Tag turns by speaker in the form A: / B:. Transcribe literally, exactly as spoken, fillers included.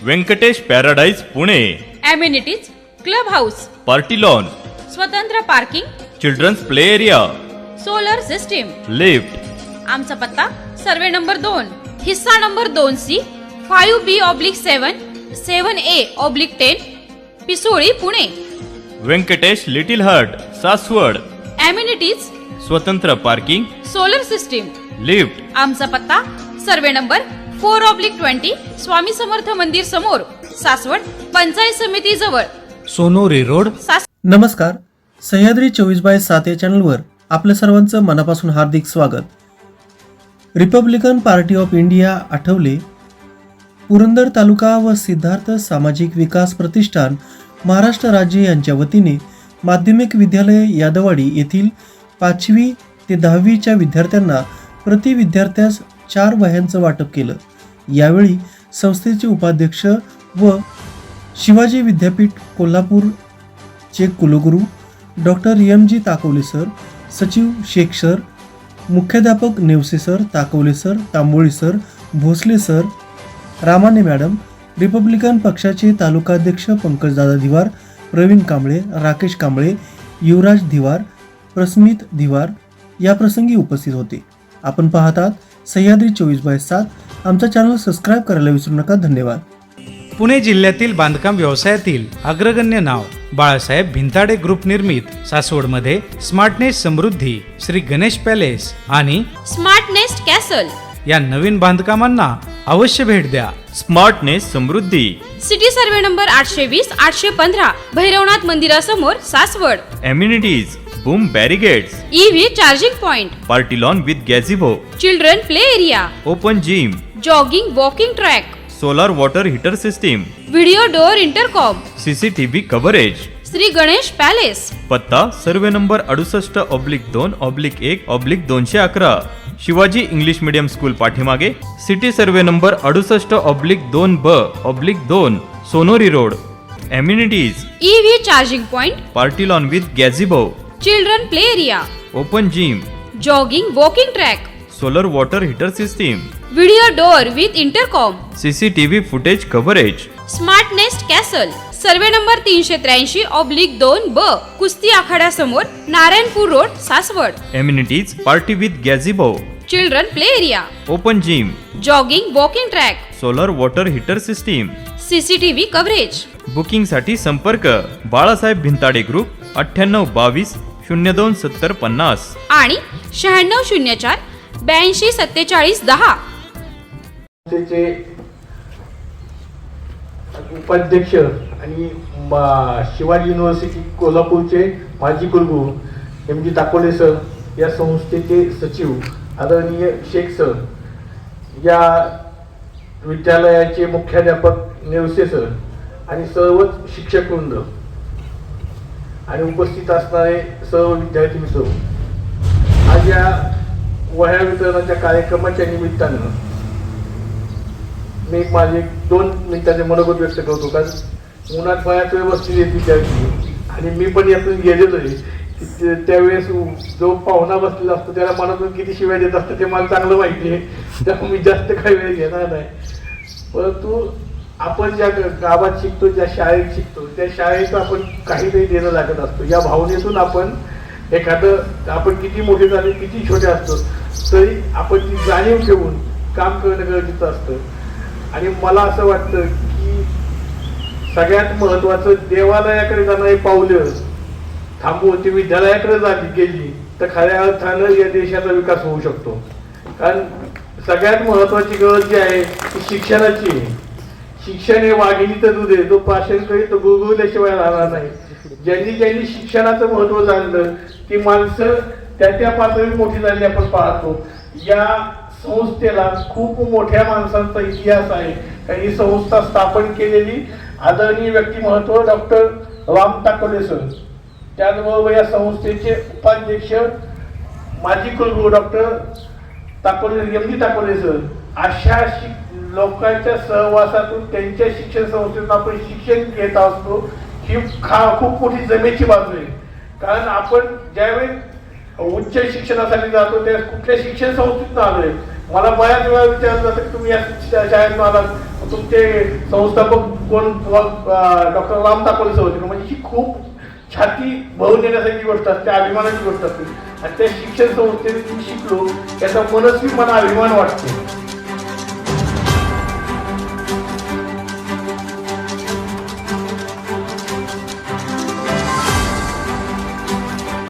A: Venkatesh paradise Pune.
B: Amenities club house,
A: party lawn,
B: स्वतंत्र parking,
A: childrens play area,
B: solar system.
A: Lift.
B: आमचा पत्ता survey number दोन, हिस्सा नंबर दोन C, five B oblique seven, seven A oblique ten, Pisoli Pune.
A: Venkatesh little heart Saswad.
B: Amenities
A: स्वतंत्र parking,
B: solar system.
A: Lift.
B: आमचा पत्ता survey number four oblique twenty, Swami Samarth मंदिर समोर, सासवड, पंचायत समिती जवळ,
C: सोनोरी रोड.
B: सास
D: नमस्कार. सह्याद्री चोवीस बाय सात या चॅनलवर आपलं सर्वांचं मनापासून हार्दिक स्वागत. Republican party of India Athawale, Purandar taluka व सिद्धार्थ सामाजिक विकास प्रतिष्ठान महाराष्ट्र राज्य यांच्या वतीने माध्यमिक विद्यालय यादवाडी येथील पाचवी ते दहावीच्या विद्यार्थ्यांना प्रति विद्यार्थ्यास चार वह्यांचं वाटप केलं. यावेळी संस्थेचे उपाध्यक्ष व शिवाजी विद्यापीठ कोल्हापूरचे कुलगुरू doctor M G Takawale sir, सचिव शेख सर, मुख्याध्यापक Navase sir, Takawale sir, Tamboli sir, Bhosale sir, Ramane madam, Republican पक्षाचे तालुकाध्यक्ष पंकजदादा धिवार, प्रवीण कांबळे, राकेश कांबळे, युवराज धिवार, प्रस्मित धिवार याप्रसंगी उपस्थित होते. आपण पाहतात सह्याद्री चोवीस बाय सात. आमचा चॅनल सबस्क्राईब करायला विसरू नका. धन्यवाद.
C: पुणे जिल्ह्यातील बांधकाम व्यवसायातील अग्रगण्य नाव बाळासाहेब भिंताडे ग्रुप निर्मित सासवडमध्ये स्मार्टनेस समृद्धी, श्री गणेश पॅलेस आणि
B: स्मार्ट नेस्ट कॅसल
C: या नवीन बांधकामांना अवश्य भेट द्या.
A: Smart nest Samruddhi,
B: city survey number आठशे वीस आठशे पंधरा, भैरवनाथ मंदिरासमोर, Saswad.
A: Amenities boom barricades,
B: EV charging point,
A: party lawn with gazebo,
B: children play area,
A: open gym,
B: jogging walking track,
A: solar water heater system,
B: video door intercom,
A: CCTV coverage.
B: Shri Ganesh palace,
A: पत्ता survey number अडुसष्ट oblique दोन oblique एक oblique दोनशे अकरा, Shivaji English medium school पाठीमागे, city survey number अडुसष्ट oblique दोन ब ऑब्लिक दोन, Sonori road. Amenities
B: EV charging point,
A: party lawn with gazebo,
B: children play area,
A: open gym,
B: jogging walking track,
A: solar water heater system,
B: video door with intercom,
A: CCTV footage coverage.
B: Smart nest castle, survey number तीनशे त्र्याऐंशी oblique दोन ब, कुस्ती आखाड्यासमोर, Narayanpur road, Saswad.
A: Amenities party with gazebo,
B: children play area,
A: open gym,
B: jogging walking track,
A: solar water heater system.
B: CCTV coverage.
A: बुकिंगसाठी संपर्क Balasaheb Bhintade group अठ्ठ्याण्णव बावीस शून्य दोन सत्तर पन्नास
B: आणि शहाण्णव शून्य चार ब्याऐंशी सत्तेचाळीस दहा.
E: त्याचे उपाध्यक्ष आणि शिवाजी युनिव्हर्सिटी कोल्हापूरचे माजी कुलगुरू एम जी ताकोले सर, या संस्थेचे सचिव आदरणीय शेख सर, या विद्यालयाचे मुख्याध्यापक नेवसे सर आणि सर्वच शिक्षक वृंद आणि उपस्थित असणारे सर्व विद्यार्थी मित्र, आज या वह्या वितरणाच्या कार्यक्रमाच्या निमित्तानं मी माझे दोन मिनिटांचे मनोगत व्यक्त करतो. कारण उन्हात बऱ्याच वेळ बसलेले विद्यार्थी आणि मी पण यातून गेलेलो आहे. त्यावेळेस जो पाहुणा बसलेला असतो त्याला मनातून किती शिवाय देत असतं ते मला चांगलं माहिती आहे, त्यामुळे मी जास्त काही वेळ घेणार नाही. परंतु आपण ज्या गावात शिकतो, ज्या शाळेत शिकतो, त्या शाळेत आपण काहीतरी देणं लागत असतो. या भावनेतून आपण एखादं, आपण किती मोठे झाले, किती छोटे असतो, तरी आपण ती जाणीव ठेवून काम करणं गरजेचं असतं. आणि मला असं वाटतं की सगळ्यात महत्त्वाचं, देवालयाकडे जाणारी पावलं थांबवून ती विद्यालयाकडे झाली गेली तर खऱ्या अर्थानं या देशाचा विकास होऊ शकतो. कारण सगळ्यात महत्त्वाची गरज जी आहे ती शिक्षणाची आहे. शिक्षण हे वाघिणीचं दूध आहे, तो प्राशन करी तो गुळगुळल्याशिवाय राहणार नाही. ज्यांनी ज्यांनी शिक्षणाचं महत्त्व जाणलं ती माणसं त्या त्या पातळीवर मोठी झाली आपण पाहतो. या संस्थेला खूप मोठ्या माणसांचा इतिहास आहे. कारण ही संस्था स्थापन केलेली आदरणीय व्यक्तिमत्व डॉक्टर राम ताकोले सर, त्याचबरोबर या संस्थेचे उपाध्यक्ष माजी कुलगुरू doctor Takole M G Takole sir, अशा लोकांच्या सहवासातून त्यांच्या शिक्षण संस्थेतून आपण शिक्षण घेत असतो. ही खा खूप मोठी जमेची बाजू आहे. कारण आपण ज्यावेळी उच्च शिक्षणासाठी जातो त्या कुठल्या शिक्षण संस्थेतून आलोय, मला बऱ्याच वेळा विचारलं जातं की तुम्ही या शा- शाळेतून आलात, तुमचे संस्थापक कोण? डॉक्टर राम दाखवले होते का? म्हणजे ही खूप छाती भरून येण्यासारखी गोष्ट असते, अभिमानाची गोष्ट असते. आणि त्या शिक्षण संस्थेत मी शिकलो याचा मनस्वी मला अभिमान वाटतो.